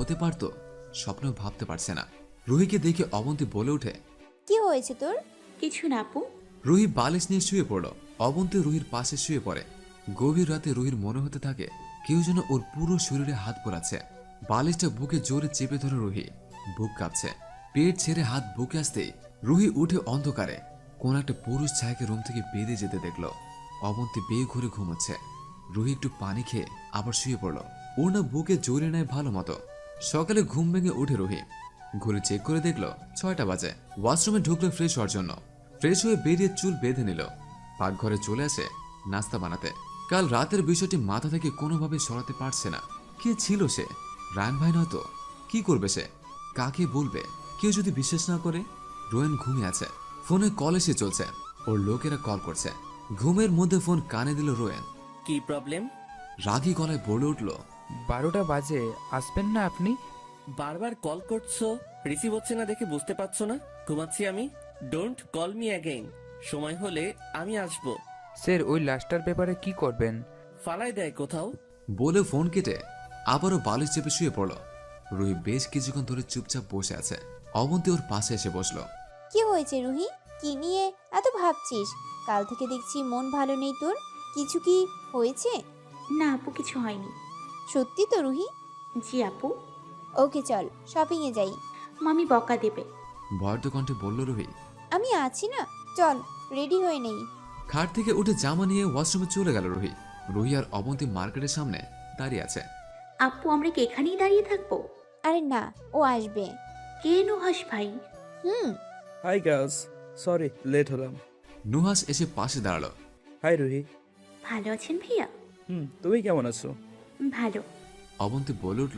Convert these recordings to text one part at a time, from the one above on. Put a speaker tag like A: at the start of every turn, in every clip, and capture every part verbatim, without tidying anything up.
A: হতে পারতো স্বপ্নেও ভাবতে পারছে না। রুহিকে দেখে অবন্তী বলে ওঠে,
B: কি হয়েছে তোর?
C: কিছু না আপু।
A: রুহি বালিশ নিয়ে শুয়ে পড়ল। অবন্তী রুহির পাশে শুয়ে পড়ে। গভীর রাতে রুহির মনে হতে থাকে কেউ যেন ওর পুরো শরীরে হাত পোড়াচ্ছে। বালিশটা বুকে জোরে চেপে ধরে রুহি। বুক কাঁপছে। পেট ছেড়ে হাত বুকে আসতেই রুহি উঠে অন্ধকারে কোন একটা পুরুষ ছায়াকে রুম থেকে বেরিয়ে যেতে দেখলো। অবন্তী বেয়ে ঘুরে ঘুমোচ্ছে। রুহি একটু পানি খেয়ে আবার শুয়ে পড়ল। ওর না বুকে জোরে নেয় ভালো মতো। সকালে ঘুম ভেঙে উঠে রুহি ঘুরে চেক করে দেখলো ছয়টা বাজে। ওয়াশরুমে ঢুকলো ফ্রেশ হওয়ার জন্য। ফ্রেশ হয়ে বেরিয়ে চুল বেঁধে নিল। পাকঘরে চলে আসে নাস্তা বানাতে। কাল রাতের বিষয়টি মাথা থেকে কোনোভাবে সরাতে পারছে না। কে ছিল সে? রায়ন ভাই নয়তো? কি করবে সে? কাকে বলবে? কেউ যদি বিশ্বাস না করে? রোয়েন ঘুমিয়ে আছে। ফোনে কল এসে চলছে। ওর লোকেরা কল করছে। ঘুমের মধ্যে ফোন কানে দিল রোয়েন।
D: কি প্রবলেম?
A: রাগী গলায় বলে উঠল,
E: বারোটা বাজে, আসবেন না আপনি?
D: বারবার কল করছো, রিসিভ হচ্ছে না দেখে বুঝতে পারছো না ঘুমাচ্ছি আমি? Don't call me again. সময় হলে আমি আসবো।
E: স্যার, ওই লাশটার ব্যাপারে কি করবেন?
D: ফালাই দেয় কোথাও।
A: বলে ফোন কেটে আবারও বালিশ চেপে শুয়ে পড়ল। রুহি বেশ কিছুক্ষণ ধরে চুপচাপ বসে আছে। অবন্তী ওর পাশে এসে বসলো।
B: কি হয়েছে রুহি? কি নিয়ে এত ভাবছিস? কাল থেকে দেখছি মন ভালো নেই তোর। কিছু কি হয়েছে?
C: না আপু, কিছু হয়নি।
B: সত্যি তো রুহি?
C: জি আপু।
B: ওকে চল শপিং এ যাই।
C: মামি বকা দেবে।
A: ভয়ত কণ্ঠে বলল রুহি।
B: আমি আছি না, চল রেডি হয়ে নেই।
A: খাট থেকে উঠে জামা নিয়ে ওয়াশরুমে চলে গেল রুহি। রুহি আর অবন্তী মার্কেটের সামনে দাঁড়িয়ে আছে।
C: আপু, আমরা কি এখানেই দাঁড়িয়ে থাকবো?
B: আরে না, ও আসবে।
C: কে নুহাস ভাই?
B: হুম।
F: হাই গার্লস, সরি লেট হলাম।
A: নুহাস এসে পাশে দাঁড়ালো।
F: হাই রুহি।
C: ভালো আছেন ভাইয়া?
F: হুম, তুমি কেমন আছো?
C: ভালো।
A: অবন্তী বলে উঠল।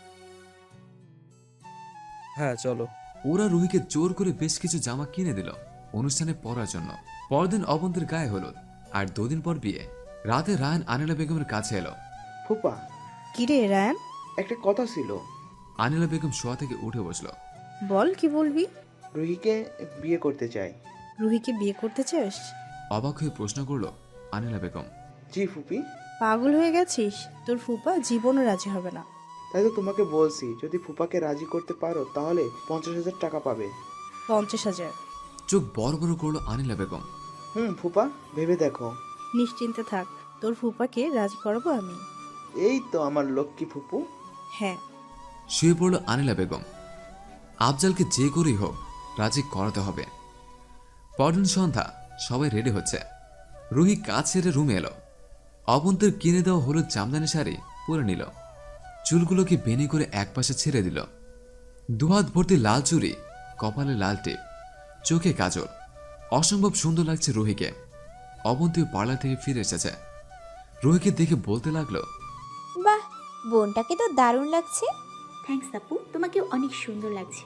F: হ্যাঁ চলো।
A: ওরা রুহিকে জোর করে বেশ কিছু জামা কিনে দিল অনুষ্ঠানে পরার জন্য। পরদিন অবন্তীর গায়ে হলুদ, আর দুদিন পর বিয়ে। রাতে রায়ান আনিলা বেগমের কাছে এলো।
G: ফুপা,
H: কিরে রায়ান,
G: একটা কথা ছিল।
A: আনিলা বেগম শোয়া থেকে উঠে বসলো।
H: বল কি বলবি?
G: রুহিকে বিয়ে করতে চাই।
H: রুহিকে বিয়ে করতে চাস?
A: অবাক হয়ে প্রশ্ন করলো আনিলা বেগম।
G: জি ফুপি।
H: পাগল হয়ে গেছিস? তোর ফুপা জীবনও রাজি হবে না।
G: তাই তো তোমাকে বলছি, যদি ফুপাকে রাজি করতে পারো তাহলে পঞ্চাশ হাজার টাকা পাবে।
H: পঞ্চাশ হাজার?
A: চোখ বড় বড় করলো আনিলা বেগম।
G: হুম ফুপা, ভেবে দেখো।
H: নিশ্চিন্তে থাক, তোর ফুপাকে রাজি করাবো আমি।
G: এই তো আমার লক্ষ্মী ফুপু।
H: হ্যাঁ।
A: শুয়ে পড়ল আনিলা বেগম। আফজালকে যে করেই হোক রাজি করাতে হবে। পরদিন সন্ধ্যা, সবাই রেডি হচ্ছে। রুহি কাজ ছেড়ে রুমে এলো। অবন্তীর কিনে দেওয়া হলুদ জামদানি শাড়ি পরে নিল। চুলগুলোকে বেনি করে একপাশে ছেড়ে দিল। দুহাত ভর্তি লাল চুড়ি, কপালে লাল টিপ, চোখে কাজল। অসম্ভব সুন্দর লাগছে রুহিকে। অবন্তী পার্লার থেকে ফিরে এসেছে। রুহিকে দেখে বলতে লাগলো,
B: বাহ, বোনটাকে তো দারুণ লাগছে।
C: থ্যাঙ্কস আপু, তোমাকেও অনেক সুন্দর লাগছে।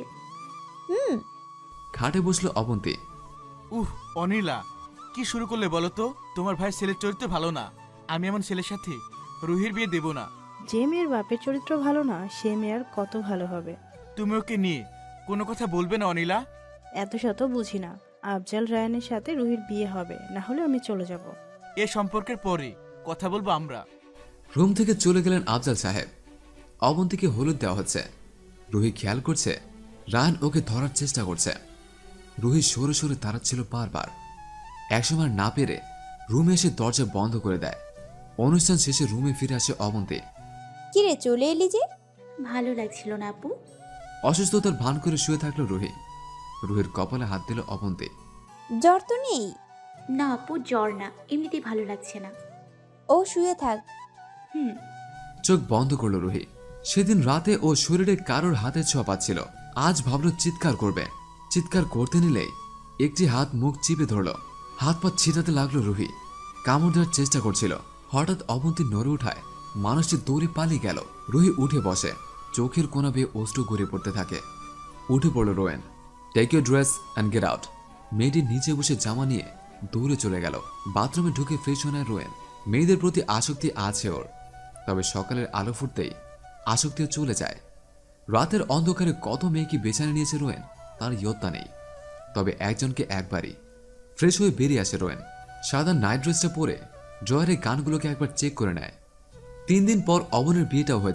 B: হুম।
A: খাটে বসলো অবন্তী।
I: উহ অনিলা, কি শুরু করলে বলো তো? তোমার ভাই ছেলের চরিত্র ভালো না। আমি এমন ছেলের সাথে রুহির বিয়ে দেব না।
H: যে মেয়ের বাপের চরিত্র ভালো না, সে মেয়ের কত ভালো হবে।
I: তুমি ওকে নিয়ে কোনো কথা বলবে না অনিলা।
H: এত শত বুঝি না। আফজাল রায়ানের সাথে রুহির বিয়ে হবে, না হলে আমি চলে যাব।
I: এ সম্পর্কের পরে কথা বলবো আমরা।
A: রুম থেকে চলে গেলেন আফজাল সাহেব। অবন্তীকে হলুদ দেওয়া হচ্ছে। রুহি খেয়াল করছে রায়ান ওকে ধরার চেষ্টা করছে। রুহি সরে সরে দাঁড়াচ্ছিল বারবার। একসময় না পেরে রুমে এসে দরজা বন্ধ করে দেয়। অনুষ্ঠান শেষে রুমে ফিরে আসে অবন্তী।
B: কিরে চলে এলি যে?
C: ভালো লাগছিল না আপু।
A: অসুস্থতার ভান করে শুয়ে থাকলো রুহি। রুহির কপালে হাত দিল অবন্তী।
B: জ্বর তো নেই?
C: না আপু, জ্বর না, এমনিতেই ভালো লাগছে না।
B: ও শুয়ে থাক।
C: হুম।
A: চোখ বন্ধ করলো রুহি। সেদিন রাতে ও শরীরে কারোর হাতে ছোঁয়া পাচ্ছিল। আজ ভাবলো চিৎকার করবে। চিৎকার করতে নিলেই একটি হাত মুখ চিপে ধরল। হাত পা ছিটাতে লাগলো রুহি। কামড় দেওয়ার চেষ্টা করছিল। হঠাৎ অবন্তী নড়ে উঠায় মানুষটি দৌড়ে পালিয়ে গেল। রুহি উঠে বসে। চোখের কোনা বেয়ে অশ্রু গড়িয়ে পড়তে থাকে। উঠে পড়ল Rowen. Take your dress and get out. মেয়েটি নিচে বসে জামা নিয়ে দৌড়ে চলে গেল। বাথরুমে ঢুকে ফ্রেশ হয়ে রোয়েন। মেয়েদের প্রতি আসক্তি আছে ওর, তবে সকালের আলো ফুটতেই আসক্তিও চলে যায়। রাতের অন্ধকারে কত মেয়েকে বেছানে নিয়েছে রোয়েন তার ইয়ত্তা নেই। তবে একজনকে একবারই। ফ্রেশ হয়ে বেরিয়ে আসে রোয়েন। সাদা নাইট ড্রেসটা পরে ড্রয়ারে গানগুলোকে একবার চেক করে নেয়। তিন দিন পর অবনের বিয়েটাও হয়ে যায়।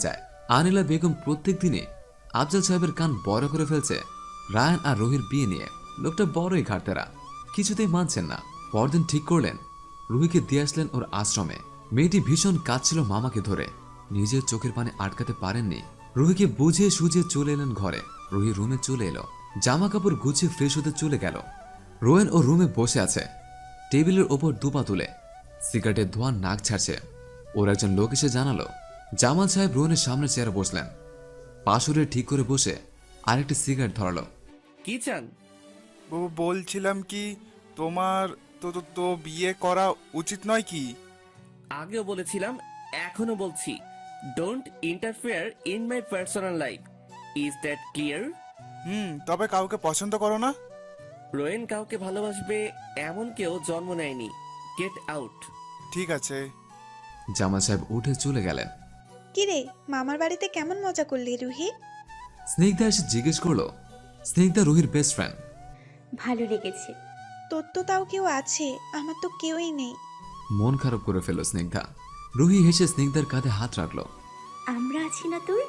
A: আনিলা বেগম প্রত্যেক দিনে আফজাল সাহেবের কান বড় করে ফেলছে রায়ান আর রুহির বিয়ে নিয়ে। লোকটা বড়ই ঘাটতেরা, কিছুতেই মানছেন না। পরদিন ঠিক করলেন রুহিকে দিয়ে আসলেন ওর আশ্রমে। মেয়েটি ভীষণ কাঁদছিল মামাকে ধরে, নিজের চোখের পানি আটকাতে পারেননি। রুহিকে বুঝিয়ে সুঝিয়ে চলে এলেন ঘরে। রুহি রুমে চলে এলো, জামা কাপড় গুছিয়ে ফ্রেশ হতে চলে গেল। রোয়েন ও রুমে বসে আছে, টেবিলের ওপর দুপা তুলে সিগারেটের ধোঁয়া নাক ছাড়ছে। ওর একজন লোক এসে জানালো জামাল সাহেব রোয়েনের সামনে চেয়ারে বসলেন। পাশুরে ঠিক করে বসে আরেকটি সিগারেট ধরালো।
D: কি চান?
J: ব- বলছিলাম কি, তোমার তো তো তো বিয়ে করা উচিত নয় কি?
D: আগেও বলেছিলাম, এখনো বলছি, don't interfere in my personal life. Is that clear?
J: হুম, তবে কাউকে পছন্দ করো না?
D: রোয়েন কাউকে ভালোবাসবে এমন কেউ জন্ম নেয়নি। Get out.
J: ঠিক আছে।
A: জামাল সাহেব উঠে চলে গেলেন।
K: কিরে, মামার বাড়িতে কেমন মজা করলি রুহি?
A: স্নিগ্ধা এসে জিজ্ঞেস করলো। স্নিগ্ধা রুহির বেস্ট ফ্রেন্ড।
C: ভালো লেগেছে।
K: তোর তো তাও কেউ আছে, আমার তো কেউই নেই।
A: মন খারাপ করে ফেলল স্নিগ্ধা। রুহি হেসে স্নিগ্ধার কাঁধে হাত রাখলো।
C: আমরা আছি না তোর?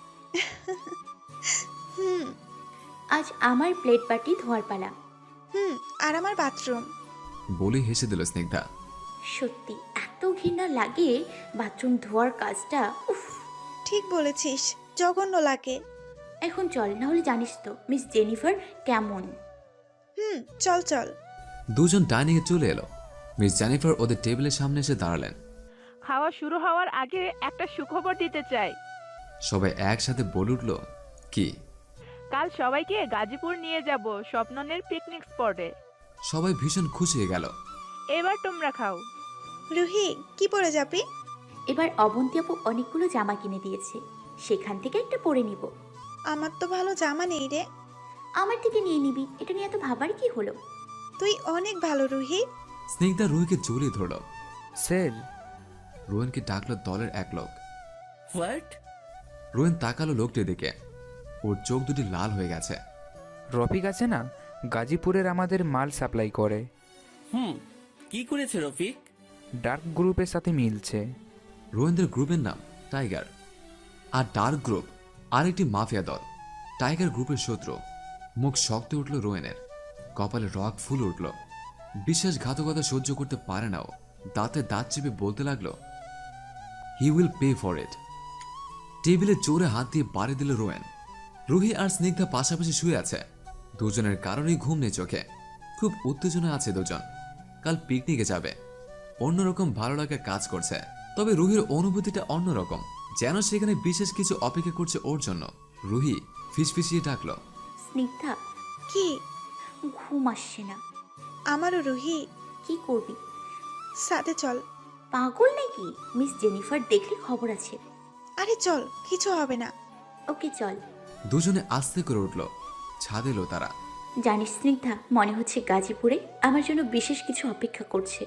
K: হুম
C: আজ আমার প্লেট বাটি ধোয়ার পালা।
K: হুম আর আমার বাথরুম।
A: বলে হেসে দিল স্নিগ্ধা।
C: সত্যি এত ঘৃণা লাগে বাথরুম ধোয়ার কাজটা। উফ,
K: ঠিক বলেছিস, জঘন্য লাগে।
C: এখন চল, না হলে জানিস তো মিস জেনিফার কেমন।
K: হুম চল চল।
A: দুজন ডাইনিং এ চলে এলো। মিস জেনিফার ওদের টেবিলের সামনে এসে দাঁড়ালেন।
L: খাওয়া শুরু হওয়ার আগে একটা সুখবর দিতে চাই।
A: সবাই একসাথে বলে উঠল, কি?
L: কাল সবাইকে গাজীপুর নিয়ে যাব স্বপ্ননের পিকনিক স্পটে।
A: সবাই ভীষণ খুশি হয়ে গেল।
L: এবার তোমরা খাও।
K: রুহি, কি পরে যাবি?
C: এবার অবন্তী আপু অনেকগুলো জামা কিনে দিয়েছে, সেখান থেকে একটা পরে নিব।
K: আমার তো ভালো জামা নেই রে।
C: আমার থেকে নিয়ে নিবি, এটা নিয়ে এত ভাবার কি হলো?
K: তুই অনেক ভালো রুহি।
A: স্নিগ্ধা রুহিকে জড়িয়ে ধরল।
E: স্যার,
A: রোয়েনকে ডাকলো দলের এক লোক।
D: হোয়াট?
A: রোয়েন তাকালো লোকটির দিকে। ওর চোখ দুটি লাল হয়ে গেছে।
E: রফিক আছে না, গাজীপুরের আমাদের মাল সাপ্লাই করে।
D: হুম, কি করেছে রফিক?
E: ডার্ক গ্রুপের সাথে মিলছে।
A: রোয়েনদের গ্রুপের নাম টাইগার। আর ডার্ক গ্রুপ আরেকটি মাফিয়া দল। টাইগার গ্রুপের শত্রু। মুখ শক্ত উঠল রোয়েনের, কপালে রক ফুল উঠল। বিশ্বাসঘাতকতা সহ্য করতে পারে না ও। দাঁতে দাঁত চেপে বলতে লাগলো, he will pay for it. টেবিলে জোরে হাত দিয়ে বাড়ি দিল রোয়েন। রুহি আর স্নিগ্ধা পাশাপাশি শুয়ে আছে। দুজনের কারণেই ঘুম নেই চোখে। খুব উত্তেজনা আছে দুজন। কাল পিকনিকে যাবে। অন্যরকম ভালো লাগা কাজ করছে। তবে রুহির অনুভূতিটা অন্যরকম, যেন সেখানে বিশেষ কিছু অপেক্ষা করছে ওর জন্য। রুহি ফিসফিসিয়ে ডাকলো,
C: স্নিগ্ধা।
K: কি?
C: ঘুম আসছে না।
K: আমারও রুহি।
C: কি করবি?
K: সাথে চল।
C: পাগল নাকি? মিস জেনিফার দেখলে খবর আছে।
K: আরে চল, কিছু হবে না।
C: ওকে চল।
A: দুজনে আস্তে করে উঠল। ছাদ এলো তারা।
C: জানিস স্নিগ্ধা, মনে হচ্ছে গাজীপুরে আমার জন্য বিশেষ কিছু অপেক্ষা করছে।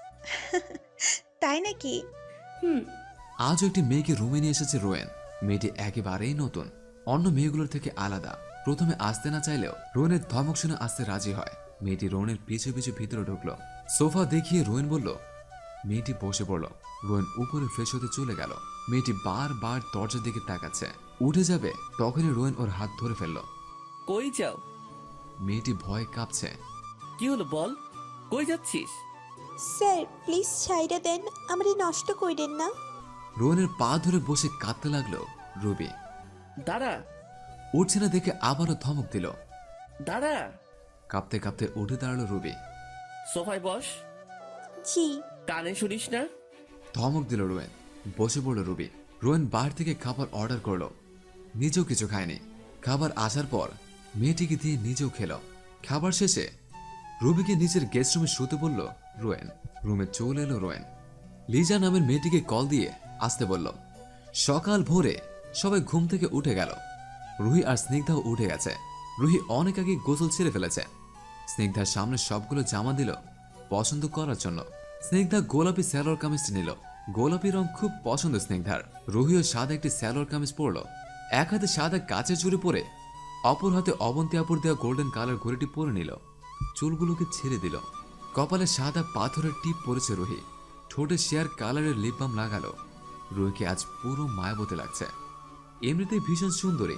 K: তাই নাকি?
A: হুম। আজও একটি মেয়েকে রুমে নিয়ে এসেছে রোয়েন। মেয়েটি একেবারেই নতুন, অন্য মেয়েগুলোর থেকে আলাদা। প্রথমে আসতে না চাইলেও রোয়েনের ধমক শুনে আসতে রাজি হয়। মেয়েটি রোয়েনের পিছু পিছু ভিতরে ঢুকলো। সোফা দেখিয়ে রোয়েন বলল। মেয়েটি বসে পড়ল। রোয়েন উপরে ফ্রেশ হতে চলে গেল। মেয়েটি বারবার দরজার দিকে তাকাচ্ছে। উঠে যাবে, তখনই রোয়েন ওর হাত ধরে ফেলল।
D: কই যাও?
A: মেয়েটি ভয়ে কাঁপছে।
D: কি হলো বল, কই যাচ্ছিস?
B: স্যার প্লিজ ছাইড়া দেন, আমারে নষ্ট কইরেন না।
A: রোয়েনের পা ধরে বসে কাঁদতে লাগলো রুবি।
D: দাঁড়া।
A: উঠছে না দেখে আবারও ধমক দিল।
D: দাঁড়া।
A: কাঁপতে কাঁপতে উঠে দাঁড়ালো রুবি।
D: সোফায় বস।
B: জি।
D: কানে শুনিস না?
A: ধমক দিল রোয়েন। বসে পড়ল রুবি। রোয়েন বাইরে থেকে খাবার অর্ডার করলো। নিজেও কিছু খায়নি। খাবার আসার পর মেয়েটিকে দিয়ে নিজেও খেল। খাবার শেষে রুবিকে নিজের গেস্ট রুমে শুতে বলল রোয়েন। রুমে চলে এলো রোয়েন। লিজা নামের মেয়েটিকে কল দিয়ে আসতে বলল। সকাল ভোরে সবাই ঘুম থেকে উঠে গেল। রুহি আর স্নিগ্ধাও উঠে গেছে। রুহি অনেক আগে গোসল ছেড়ে ফেলেছে। স্নিগ্ধার সামনে সবগুলো জামা দিল পছন্দ করার জন্য। স্নিগ্ধা গোলাপি স্যালোয়ার কামিজটি নিল। গোলাপি রং খুব পছন্দ স্নিগ্ধার। রুহিও সাদা একটি স্যালোয়ার কামিজ পরল। এক হাতে সাদা কাচের চুড়ি পরে অপর হাতে অবন্তী আপুর দেওয়া গোল্ডেন কালার ঘড়িটি পরে নিল। চুলগুলোকে ছেড়ে দিল। কপালে সাদা পাথরের টিপ পরেছে রুহি। ঠোঁটে শেয়ার কালারের লিপ বাম লাগালো। রুহিকে আজ পুরো মায়াবতী লাগছে। এমনিতেই ভীষণ সুন্দরী,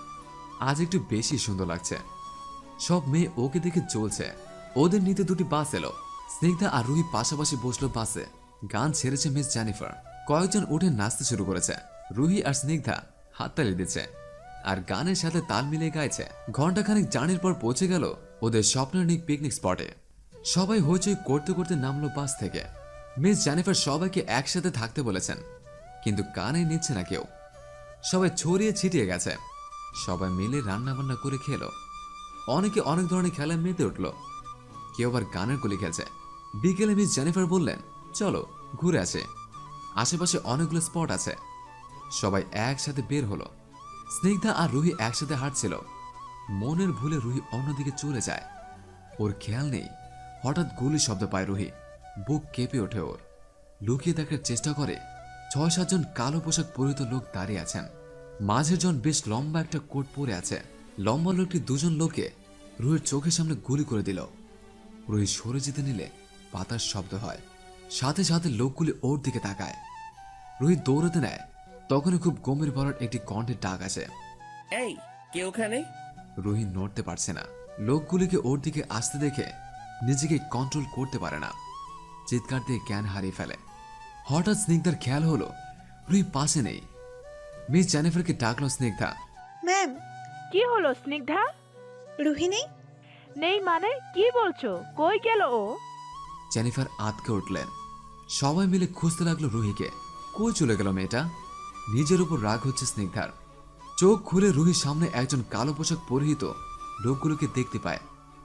A: আজ একটু বেশি সুন্দর লাগছে। সব মেয়ে ওকে দেখে চলছে। ওদের নিতে দুটি বাস এলো। স্নিগ্ধা আর রুহি পাশাপাশি বসলো বাসে। গান ছেড়েছে মিস জেনিফার। কয়েকজন উঠে নাচতে শুরু করেছে। রুহি আর স্নিগ্ধা হাততালি দিচ্ছে আর গানের সাথে তাল মিলিয়ে গাইছে। ঘন্টাখানেক জার্নির পর পৌঁছে গেল ওদের স্বপ্নের পিকনিক স্পটে। সবাই হইচই করতে করতে নামলো বাস থেকে। মিস জেনিফার সবাইকে একসাথে থাকতে বলেছেন, কিন্তু কানে নিচ্ছে না কেউ। সবাই ছড়িয়ে ছিটিয়ে গেছে। সবাই মিলে রান্না বান্না করে খেলো। অনেকে অনেক ধরনের খেলায় মেতে উঠল। কেউ আবার গানের গুলি খেলছে। বিকেলে মিস জেনিফার বললেন, চলো ঘুরে আসে, আশেপাশে অনেকগুলো স্পট আছে। সবাই একসাথে বের হলো। স্নিগ্ধা আর রুহি একসাথে হাঁটছিল। মনের ভুলে রুহি অন্যদিকে চলে যায়। ওর খেয়াল নেই, হঠাৎ গুলির শব্দ পায় রুহি। বুক কেঁপে ওঠে ওর। লুকিয়ে দেখার চেষ্টা করে। ছয় সাতজন কালো পোশাক পরিহিত লোক দাঁড়িয়ে আছেন। মাঝের জন বেশ লম্বা একটা কোট পরে আছে। লম্বা লোকটি দুজন লোকে রুহির চোখের সামনে গুলি করে দিল। রুহি সরে যেতে নিলে পাতার শব্দ হয়। সাথে সাথে লোকগুলি ওর দিকে তাকায়। রুহি দৌড়াতে নেয়, তখনই খুব গম্ভীর ভরার একটি কণ্ঠের ডাক আসে,
D: এই কে ওখানে?
A: রুহি নড়তে পারছে না। লোকগুলিকে ওর দিকে আসতে দেখে নিজেকে কন্ট্রোল করতে পারে না। চিৎকার দিয়ে জ্ঞান হারিয়ে ফেলে। হঠাৎ স্নিগ্ধার খেয়াল হলো রুহি পাশে নেই। মিস জেনিফারকে ডাকলো স্নিগ্ধা।
K: ম্যাম,
L: কি হলো স্নিগ্ধা?
K: রুহি নেই?
L: নেই মানে কি বলছো? কই গেল ও?
A: জেনিফার আতকে উঠলেন। সবাই মিলে খুঁজতে লাগলো রুহিকে। কই চলে গেল মেয়েটা? নিজের উপর রাগ হচ্ছে স্নিগ্ধার। চোখ খুলে রুহির সামনে একজন কালো পোশাক পরিহিত লোকগুলোকে দেখতে পায়।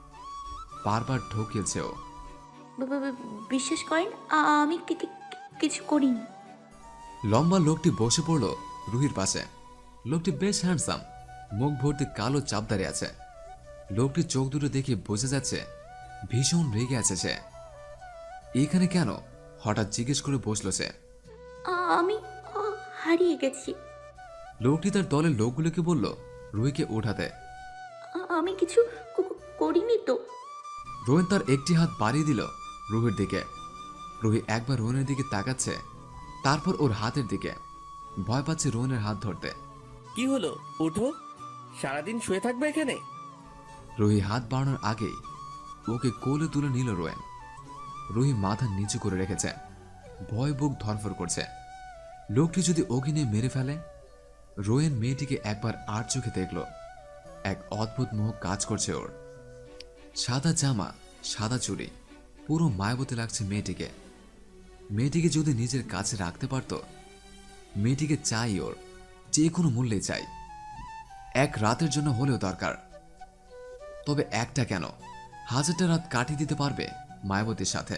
A: বারবার ঢোকিয়েছে ও।
C: ব- ব- ব- বিশ্বাস করেন আ- আমি কি- কি- কিছু করিনি।
A: লম্বা লোকটি বসে পড়ল রুহির পাশে। লোকটি বেশ হ্যান্ডসাম, মুখ ভর্তি কালো চাপ দাঁড়িয়ে আছে। লোকটির চোখ দুটো দেখে বোঝা যাচ্ছে ভীষণ রেগে আছে সে। এখানে কেন? হঠাৎ জিজ্ঞেস করে বসলো সে।
C: আ- আমি আ, হারিয়ে গেছি।
A: লোকটি তার দলের লোকগুলোকে বলল রুহিকে উঠাতে।
C: আ- আমি কিছু ক- করিনি তো।
A: রোহন তার একটি হাত বাড়িয়ে দিল রুহির দিকে। রুহি একবার রোহনের দিকে তাকাচ্ছে, তারপর ওর হাতের দিকে। ভয় পাচ্ছে রোহনের হাত ধরতে।
D: কি হলো? উঠো, সারাদিন শুয়ে থাকবে এখানে?
A: রুহি হাত বাড়ানোর আগেই ওকে কোলে তুলে নিল রোয়েন। রুহি মাথা নিচু করে রেখেছে। ভয় বুক ধরফর করছে। লোকটি যদি ওকে নিয়ে মেরে ফেলে। রোয়েন মেয়েটিকে একবার আর চোখে দেখল। এক অদ্ভুত মোহ কাজ করছে ওর। সাদা জামা, সাদা চুড়ি, পুরো মায়াবতী লাগছে মেয়েটিকে। মেয়েটিকে যদি নিজের কাছে রাখতে পারত। মেয়েটিকে চাই ওর, যে কোনো মূল্যে চাই। এক রাতের জন্য হলেও দরকার। তবে একটা কেন, হাজারটা রাত কাটিয়ে দিতে পারবে মায়াবতীর সাথে।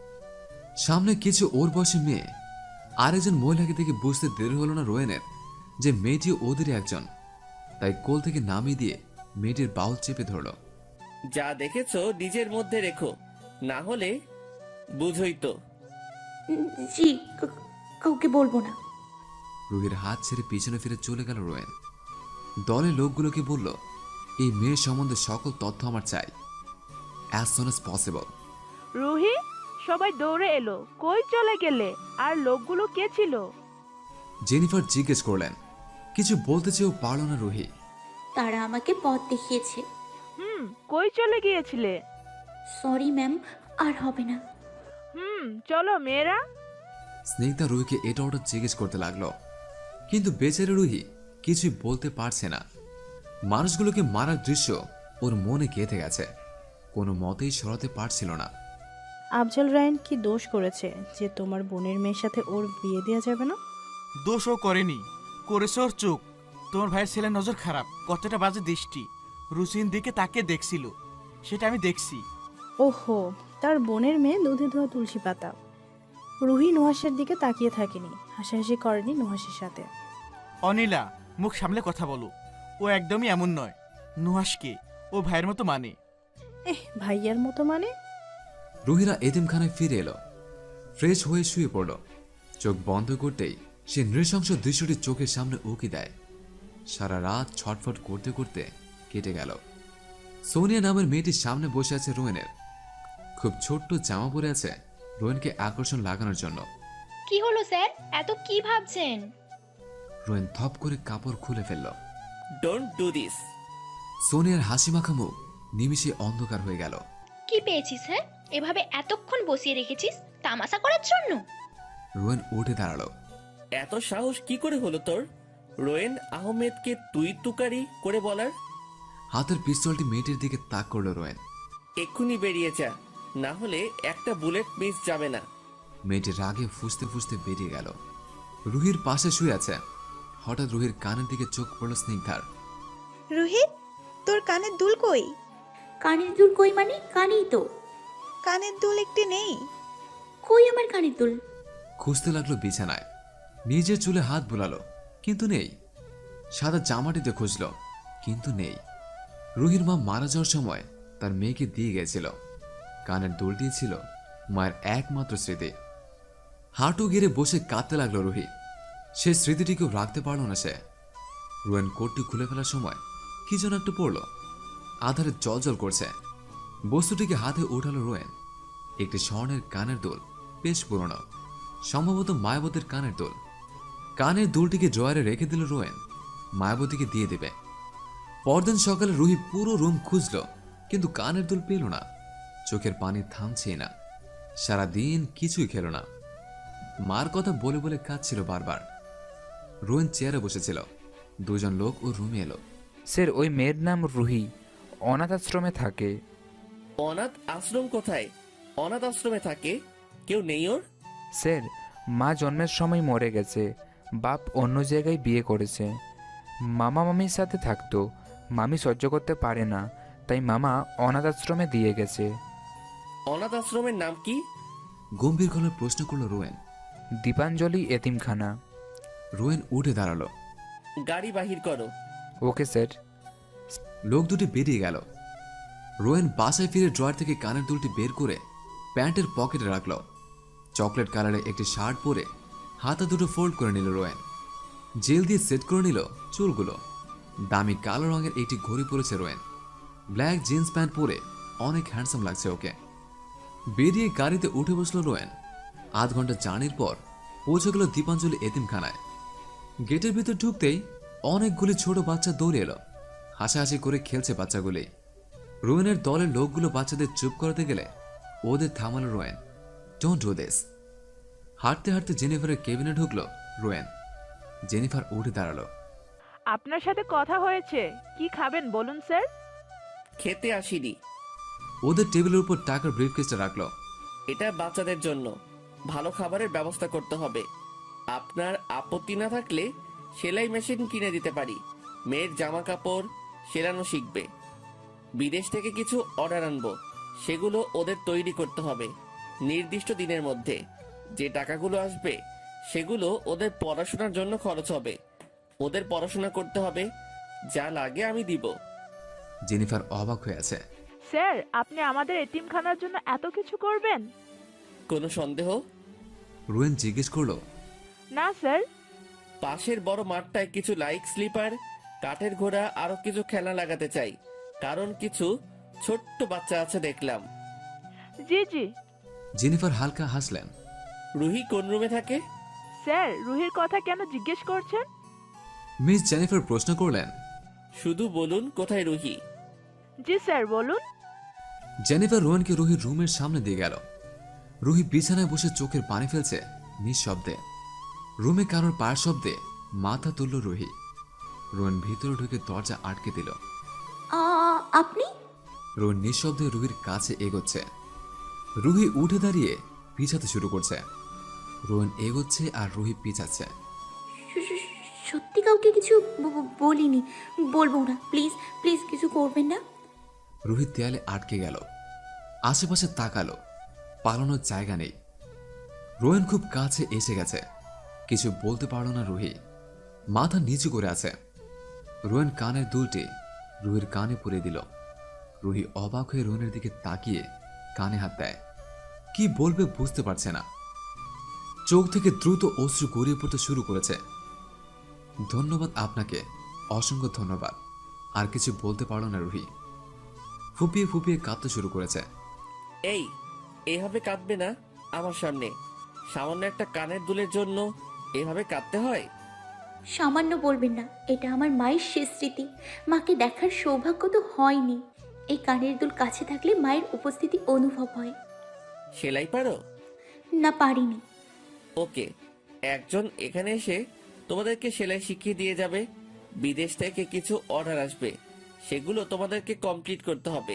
A: সামনে কিছু ওর বয়সী মেয়ে। আরেকজন মহিলাকে দেখে বুঝতে দেরি হলো না রোয়েনের যে মেয়েটি ওদেরই একজন। তাই কোল থেকে নামিয়ে দিয়ে মেয়েটির বাহুল চেপে ধরল।
D: যা দেখেছো নিজের মধ্যে রেখো, না হলে বুঝই তো।
C: উম, জি কা- কাউকে বলবো না।
A: রুহির হাত ছেড়ে পিছনে ফিরে চলে গেল রোয়েন। দলের লোকগুলোকে বলল, এই মেয়ের সম্বন্ধে সকল তথ্য আমার চাই, as soon as possible.
L: Ruhi, সবাই দৌড়ে এলো। কই চলে গেলে? আর লোকগুলো কে ছিল?
A: জেনিফার জিজ্ঞেস করলেন। কিছু বলতে চেয়েও পারল না রুহি।
C: তারা আমাকে পথ দেখিয়েছে।
L: হুম, কই চলে গিয়েছিলে?
C: সরি ম্যাম, আর হবে না।
L: হুম, চলো মেয়েরা।
A: স্নিগ্ধা রুহিকে এটা ওটা জিজ্ঞেস করতে লাগলো, কিন্তু বেচারি রুহি কিছুই বলতে পারছে না। মানুষগুলোকে মারার দৃশ্য ওর মনে গেঁথে গেছে, কোনো মতেই সরাতে পারছিল না।
H: আফজল রায়ন কি দোষ করেছে যে তোমার বোনের মেয়ের সাথে ওর বিয়ে দেওয়া যাবে না?
I: দোষও করেনি, করেছে ওর চোখ। তোমার ভাইয়ের ছেলের নজর খারাপ, কতটা বাজে দৃষ্টি রুচির দিকে তাকে দেখছিল, সেটা আমি দেখছি।
H: ওহো, তার বোনের মেয়ে দুধে ধোয়া তুলসী পাতা। রুহি নুহাসের দিকে তাকিয়ে থাকেনি, হাসাহাসি করেনি নুহাসের সাথে।
I: অনিলা, মুখ সামলে কথা বলো। ও একদমই এমন নয়। নুহাসকে ও ভাইয়ের মতো মানে।
H: এহ, ভাইয়ার মতো মানে?
A: রুহিরা এতিমখানায় ফিরে এলো। ফ্রেশ হয়ে শুয়ে পড়ল। চোখ বন্ধ করতেই সে নৃশংস দৃশ্যটি চোখের সামনে উকি দেয়। সারা রাত ছটফট করতে করতে কেটে গেল। সোনিয়া নামের মেয়েটির সামনে বসে আছে রোয়েনের। খুব ছোট্ট জামা পরে আছে রোয়েনকে আকর্ষণ লাগানোর জন্য।
M: কি হলো স্যার, এত কি ভাবছেন?
A: রোয়েন থপ করে কাপড় খুলে ফেলল।
D: Don't do this.
A: সোনিয়ার হাসি মাখা মুখ নিমিষে অন্ধকার হয়ে গেল।
M: কি পেয়েছিস হ্যাঁ? এভাবে এতক্ষণ বসিয়ে রেখেছিস তামাশা করার জন্য?
A: রোয়েন উঠে দাঁড়ালো।
D: এত সাহস কি করে হলো তোর রোয়েন আহমেদকে তুই তুকারি করে বলার?
A: হাতের পিস্তলটি মেয়েটির দিকে তাক করলো রোয়েন।
D: এক্ষুনি বেরিয়ে যা, না হলে একটা বুলেট মিস যাবে না।
A: মেয়েটি রাগে ফুসতে ফুসতে বেরিয়ে গেল। রুহির পাশে শুয়ে আছে। হঠাৎ রুহির কানের দিকে চোখ পড়ল স্নিগ্ধার।
K: রুহি, তোর কানের দুল কই?
C: কানের দুল কই মানে? কানেই তো।
K: কানের দুল একটি নেই।
C: কই আমার কানের দুল?
A: খুঁজতে লাগলো বিছানায়। নিজের চুলে হাত বুলালো, কিন্তু নেই। সাদা জামাটিতে খুঁজলো, কিন্তু নেই। রুহির মা মারা যাওয়ার সময় তার মেয়েকে দিয়ে গেছিল। কানের দুলটি ছিল মায়ের একমাত্র স্মৃতি। হাঁটু গেড়ে বসে কাঁদতে লাগলো রুহি। সেই স্মৃতিটিকেও রাখতে পারল না সে। রোয়েন কোটটি খুলে ফেলার সময় কি যেন একটু পড়লো। আধারে জল করছে। বস্তুটিকে হাতে উঠালো রোয়েন। একটি স্বর্ণের কানের দুল, বেশ পুরনো, সম্ভবত মায়াবতীর কানের দুল। কানের দুলটিকে ড্রয়ারে রেখে দিল রোয়েন, মায়াবতীকে দিয়ে দেবে। পরদিন সকালে রুহি পুরো রুম খুঁজল, কিন্তু কানের দুল পেল না। চোখের পানি থামছেই না। সারাদিন কিছুই খেল না। মার কথা বলে বলে কাঁদছিল বারবার। রোয়েন চেয়ারে বসেছিল। দুজন লোক ও রুমে এলো।
E: স্যার, ওই মেয়ের নাম রুহি, অনাথ আশ্রমে থাকে।
D: অনাথ আশ্রম কোথায়? অনাথ আশ্রমে থাকে? কেউ নেই ওর?
E: স্যার, মা জন্মের সময় মরে গেছে, বাপ অন্য জায়গায় বিয়ে করেছে। মামা মামির সাথে থাকতো, মামি সহ্য করতে পারে না, তাই মামা অনাথ আশ্রমে দিয়ে গেছে।
D: অনাথ আশ্রমের নাম কি?
A: গম্ভীর গলায় প্রশ্ন করলো রোয়েন।
E: দীপাঞ্জলি এতিমখানা।
A: রোয়েন উঠে দাঁড়ালো।
D: গাড়ি বাহির করো।
E: Okay sir.
A: লোক দুটি বেরিয়ে গেল। রোয়েন বাসায় ফিরে ড্রয়ার থেকে কানের দুলটি বের করে প্যান্টের পকেটে রাখল। চকলেট কালারের একটি শার্ট পরে হাতা দুটো ফোল্ড করে নিল রোয়েন। জেল দিয়ে সেট করে নিল চুলগুলো। দামি কালো রঙের একটি ঘড়ি পরেছে রোয়েন। ব্ল্যাক জিন্স প্যান্ট পরে অনেক হ্যান্ডসাম লাগছে ওকে। বেরিয়ে গাড়িতে উঠে বসলো রোয়েন। আধ ঘন্টা জার্নির পর পৌঁছে গেল দীপাঞ্জলি এতিমখানায়। গেটের ভিতর ঢুকতেই অনেকগুলি ছোট বাচ্চা দৌড়ে এলো। হাসাহাসি করে খেলছে বাচ্চাগুলি। রোয়েনের দলের লোকগুলো বাচ্চাদের চুপ করাতে গেলে ওদের থামালো রোয়েন। Don't do this. হাঁটতে হাঁটতে জেনিফারের কেবিনে ঢুকলো রোয়েন। জেনিফার উঠে দাঁড়ালো।
L: আপনার সাথে কথা হয়েছে, কি খাবেন বলুন স্যার?
D: খেতে আসিনি।
A: ওদের টেবিলের উপর টাকার ব্রিফকেসটা রাখলো।
D: এটা বাচ্চাদের জন্য, ভালো খাবারের ব্যবস্থা করতে হবে। আপনার আপত্তি না থাকলে সেলাই মেশিন কিনে দিতে পারি। মেয়ের জামা কাপড় সেলানো শিখবে। বিদেশ থেকে কিছু অর্ডার আনবো, সেগুলো ওদের তৈরি করতে হবে নির্দিষ্ট দিনের মধ্যে। যে টাকাগুলো আসবে সেগুলো ওদের পড়াশোনার জন্য খরচ হবে। ওদের পড়াশোনা করতে হবে, যা লাগে আমি দিব।
A: জেনিফার অবাক হয়ে আছে।
L: স্যার, আপনি আমাদের এতিমখানার জন্য এত কিছু করবেন?
D: কোনো সন্দেহ?
A: রোয়েন জিজ্ঞেস করলো।
L: না স্যার।
D: পাশের বড় মাঠটায় কিছু লাইক স্লিপার, কাঠের ঘোড়া, আরো কিছু খেলনা লাগাতে চাই, কারণ কিছু ছোট্ট বাচ্চা আছে দেখলাম।
L: জি জি।
A: জেনিফার হালকা হাসলেন।
D: রুহি কোন রুমে থাকে?
L: স্যার, রুহির কথা কেন জিজ্ঞেস করছেন?
A: মিস জেনিফার প্রশ্ন করলেন।
D: শুধু বলুন কোথায় রুহি।
L: জি স্যার, বলুন।
A: জেনিফার রোয়েনকে রুহির রুমের সামনে দিয়ে গেল। রুহি বিছানায় বসে চোখের পানি ফেলছে নিঃশব্দে। রুমে কারোর পায়ের শব্দে মাথা তুলল রুহি। রোয়েন ভিতরে ঢুকে দরজা আটকে দিল।
C: আপনি?
A: রোয়েন নিঃশব্দে রুহির কাছে এগোচ্ছে। রুহি উঠে দাঁড়িয়ে পিছাতে শুরু করছে। রোয়েন এগোচ্ছে আর রুহি পিছাচ্ছে।
C: সত্যি কাউকে কিছু বলিনি, বলবো না। প্লিজ প্লিজ কিছু করবেন না।
A: রুহি দেয়ালে আটকে গেল। আশেপাশে তাকালো, পালানোর জায়গা নেই। রোয়েন খুব কাছে এসে গেছে। কিছু বলতে পারল না রুহি। মাথা নিচু করে আছে। রোয়েন কানের দুলটি রুহির কানে পুরে দিল। রুহি অবাক হয়ে রোয়েনের দিকে তাকিয়ে কানে হাত দেয়। কি বলবে বুঝতে পারছে না। চোখ থেকে দ্রুত অশ্রু গড়িয়ে পড়তে শুরু করেছে। ধন্যবাদ আপনাকে, অসংখ্য ধন্যবাদ। আর কিছু বলতে পারল না রুহি। ফুপিয়ে ফুপিয়ে কাঁদতে শুরু করেছে।
D: এই, এভাবে কাঁদবে না আমার সামনে। সামান্য একটা কানের দুলের জন্য এভাবে কাঁদতে হয়?
C: সামান্য বলবেন না, এটা আমার মায়ের শেষ স্মৃতি। মাকে দেখার সৌভাগ্য তো হয়নি। এই কানের দুল কাছে থাকলে মায়ের উপস্থিতি অনুভব হয়।
D: সেলাই পারো?
C: না, পারিনি।
D: ওকে, একজন এখানে এসে তোমাদেরকে সেলাই শিখিয়ে দিয়ে যাবে। বিদেশ থেকে কিছু অর্ডার আসবে, সেগুলো তোমাদেরকে কমপ্লিট করতে হবে।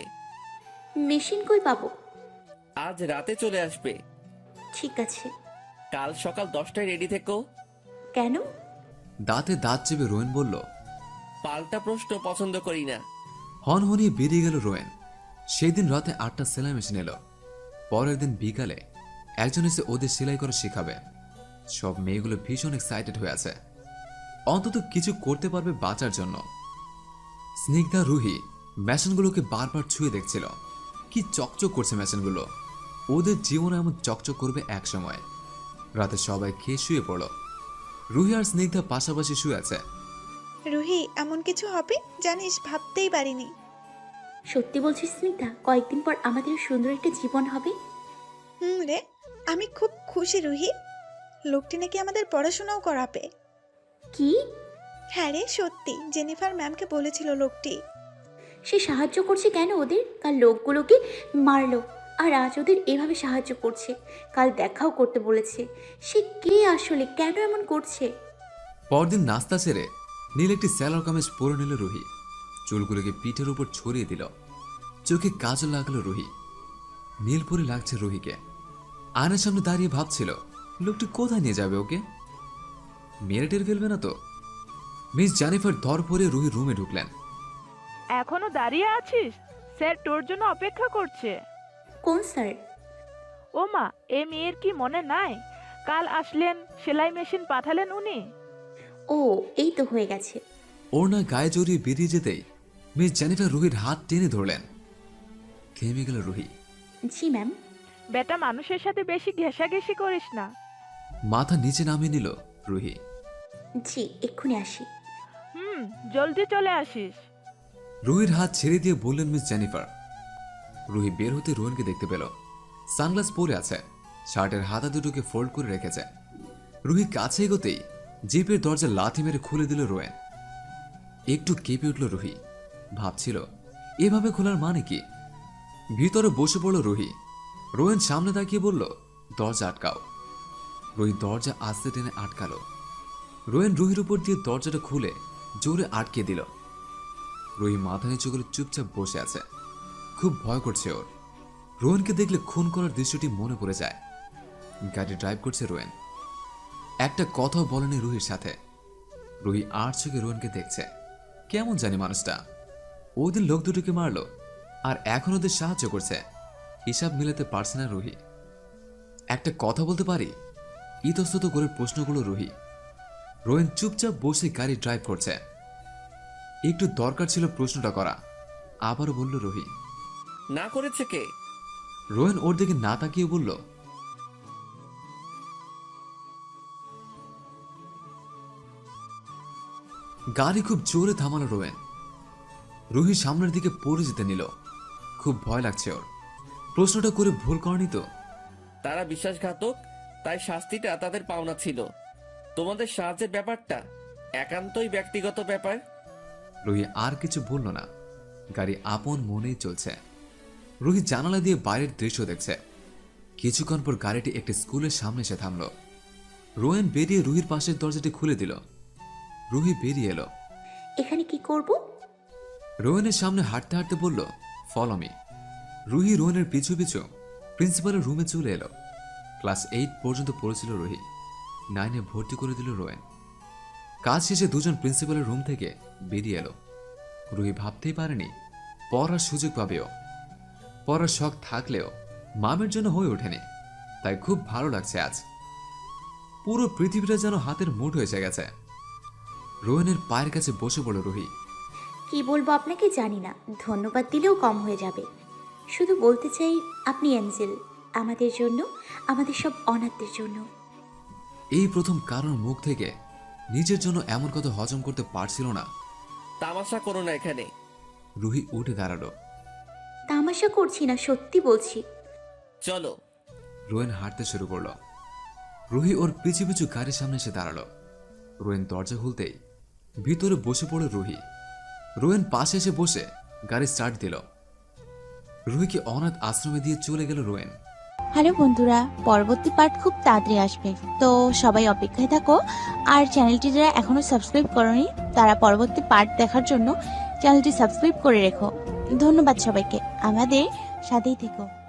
C: মেশিন কই পাবো?
D: আজ রাতে চলে আসবে।
C: ঠিক আছে।
D: কাল সকাল দশটায় রেডি থেকো।
C: কেন?
A: দাঁতে দাঁত চেপে রোয়েন বলল।
D: পাল্টা প্রশ্ন পছন্দ করি না।
A: হনহনিয়ে বেরিয়ে গেল রোয়েন। সেই দিন রাতে আটটা সেলাই মেশিন এলো। পরের দিন বিকালে একজন এসে ওদের সেলাই করা শেখাবে। সব মেয়েগুলো ভীষণ এক্সাইটেড হয়ে আছে, অন্তত কিছু করতে পারবে বাঁচার জন্য। স্নিগ্ধা রুহি মেশিনগুলোকে বারবার ছুঁয়ে দেখছিল। কি চকচক করছে মেশিনগুলো, ওদের জীবনে এমন চকচক করবে এক সময়। রাতে সবাই খেয়ে শুয়ে পড়ল। রুহি আর স্নিগ্ধা পাশাপাশি শুয়ে আছে।
K: রুহি, এমন কিছু হবে জানিস, ভাবতেই পারিনি।
C: সত্যি বলছিস স্মিতা? কয়েকদিন পর আমাদের সুন্দর একটা জীবন হবে।
K: হুম রে, আমি খুব খুশি রুহি। লোকটি নাকি আমাদের পড়াশোনাও করাবে।
C: কি?
K: হ্যাঁ রে, সত্যি। জেনিফার ম্যামকে বলেছিল লোকটি।
C: সে সাহায্য করছে কেন ওদের? কাল লোকগুলোকে মারলো, আর আজ ওদের এভাবে সাহায্য করছে। কাল দেখাও করতে বলেছে। সে কে আসলে, কেন এমন করছে?
A: পরদিন নাস্তা সেরে নীল একটি স্যালোর কামিজ পরে নিল রুহি। চুলগুলোকে পিঠের উপর ছড়িয়ে দিল। চোখে কাজল লাগলো রুহি। নীল পরে লাগছে রুহিকে। আয়নার সামনে দাঁড়িয়ে ভাবছিল লোকটি কোথায় নিয়ে যাবে ওকে। মেরে টের ফেলবে না তো। মিস জেনিফার ধর পরে রুহি রুমে ঢুকলেন।
L: এখনো দাঁড়িয়ে আছিস? স্যার তোর জন্য অপেক্ষা করছে।
C: কোন স্যার?
L: ও মা, এ মেয়ের কি মনে নাই? কাল আসলেন, সেলাই মেশিন পাঠালেন উনি।
C: ও, এই তো হয়ে গেছে।
A: ওর না গায়ে জড়িয়ে বেরিয়ে যেতেই মিস জেনিফার রুহির হাত টেনে ধরলেন। থেমে গেল রুহি।
C: জি ম্যাম।
L: বেটা, মানুষের সাথে বেশি ঘেঁষাঘেঁষি করিস না।
A: মাথা নিচে নামিয়ে নিল রুহি।
C: জি, এক্ষুনি আসি।
L: হুম, জলদি চলে আসিস।
A: রুহির হাত ছেড়ে দিয়ে বললেন মিস জেনিফার। রুহি বের হতে রোহনকে দেখতে পেল। সানগ্লাস পরে আছে, শার্টের হাতা দুটোকে ফোল্ড করে রেখেছে। রুহি কাছে এগোতেই জিপের দরজা লাথি মেরে খুলে দিল রোয়েন। একটু কেঁপে উঠল রুহি। ভাবছিল এভাবে খোলার মানে কি। ভিতরে বসে পড়ল রুহি। রোয়েন সামনে তাকিয়ে বলল, দরজা আটকাও। রুহি দরজা আস্তে টেনে আটকালো। রোয়েন রুহির উপর দিয়ে দরজাটা খুলে জোরে আটকে দিল। রুহি মাথা নিচু করে চুপচাপ বসে আছে। খুব ভয় করছে ওর। রোয়েনকে দেখলে খুন করার দৃশ্যটি মনে পড়ে যায়। গাড়ি ড্রাইভ করছে রোয়েন। একটা কথাও বলেনি রুহির সাথে। রুহি আর চোখে রোয়েনকে দেখছে। কেমন জানি মানুষটা। ওদের লোক দুটোকে মারলো আর এখন ওদের সাহায্য করছে। হিসাব মিলাতে পারছে না রুহি। একটা কথা বলতে পারি? ইতস্তত করে প্রশ্নগুলো রুহি। রোয়েন চুপচাপ বসে গাড়ি ড্রাইভ করছে। একটু দরকার ছিল প্রশ্নটা করা। আবারও বলল রুহি।
D: না করেছে কে?
A: রোয়েন ওর দিকে না তাকিয়ে বলল, গাড়ি খুব জোরে থামালো রোয়েন। রুহি সামনের দিকে পড়ে যেতে নিল। খুব ভয় লাগছে ওর। প্রশ্নটা করে ভুল করেনি তো?
D: তারা বিশ্বাসঘাতক, তাই শাস্তিটা তাদের পাওনা ছিল। তোমাদের সাহায্যের ব্যাপারটা একান্তই ব্যক্তিগত ব্যাপার।
A: রুহি আর কিছু বলল না। গাড়ি আপন মনেই চলছে। রুহি জানালা দিয়ে বাইরের দৃশ্য দেখছে। কিছুক্ষণ পর গাড়িটি একটি স্কুলের সামনে এসে থামল। রোয়েন বেরিয়ে রুহির পাশের দরজাটি খুলে দিল। রুহি বেরিয়ে এলো।
C: এখানে কি করব?
A: রোয়েনের সামনে হাঁটতে হাঁটতে বলল, ফলো মি। রুহি রোয়েনের পিছু পিছু প্রিন্সিপালের রুমে চলে এলো। ক্লাস এইট পর্যন্ত পড়েছিল রুহি। নাইনে ভর্তি করে দিল রোয়েন। কাজ শেষে দুজন প্রিন্সিপালের রুম থেকে বেরিয়ে এলো। রুহি ভাবতেই পারেনি পড়ার সুযোগ পাবেও। পড়ার শখ থাকলেও মামের জন্য হয়ে ওঠেনি। তাই খুব ভালো লাগছে আজ। পুরো পৃথিবীটা যেন হাতের মুঠো এসে গেছে। রোয়েনের পায়ের কাছে বসে পড়ল রুহি।
C: কি বলবো আপনাকে জানি না, ধন্যবাদ দিলেও কম হয়ে যাবে। শুধু বলতে চাই আপনি অ্যাঞ্জেল, আমাদের জন্য, আমাদের সব অনাথদের জন্য।
A: এই প্রথম কারোর মুখ থেকে নিজের জন্য এমন কথা হজম করতে পারছিল না।
D: তামাশা করো না এখানে।
A: রুহি উঠে দাঁড়ালো।
C: তামাশা করছি না, সত্যি বলছি।
D: চলো।
A: রোয়েন হাঁটতে শুরু করলো। রুহি ওর পিছু পিছু গাড়ির সামনে এসে দাঁড়ালো। রোয়েন দরজা খুলতেই ভিতরে বসে পড়ে রুহি। রোয়েন পাশে এসে বসে গাড়ি স্টার্ট দিল। রুহিকে অনাথ আশ্রমে দিয়ে চলে গেল রোয়েন।
N: হ্যালো বন্ধুরা, পরবর্তী পার্ট খুব তাড়াতাড়ি আসবে, তো সবাই অপেক্ষায় থাকো। আর চ্যানেলটি যারা এখনো সাবস্ক্রাইব করনি তারা পরবর্তী পার্ট দেখার জন্য চ্যানেলটি সাবস্ক্রাইব করে রেখো। ধন্যবাদ সবাইকে, আমাদের সাথেই থেকো।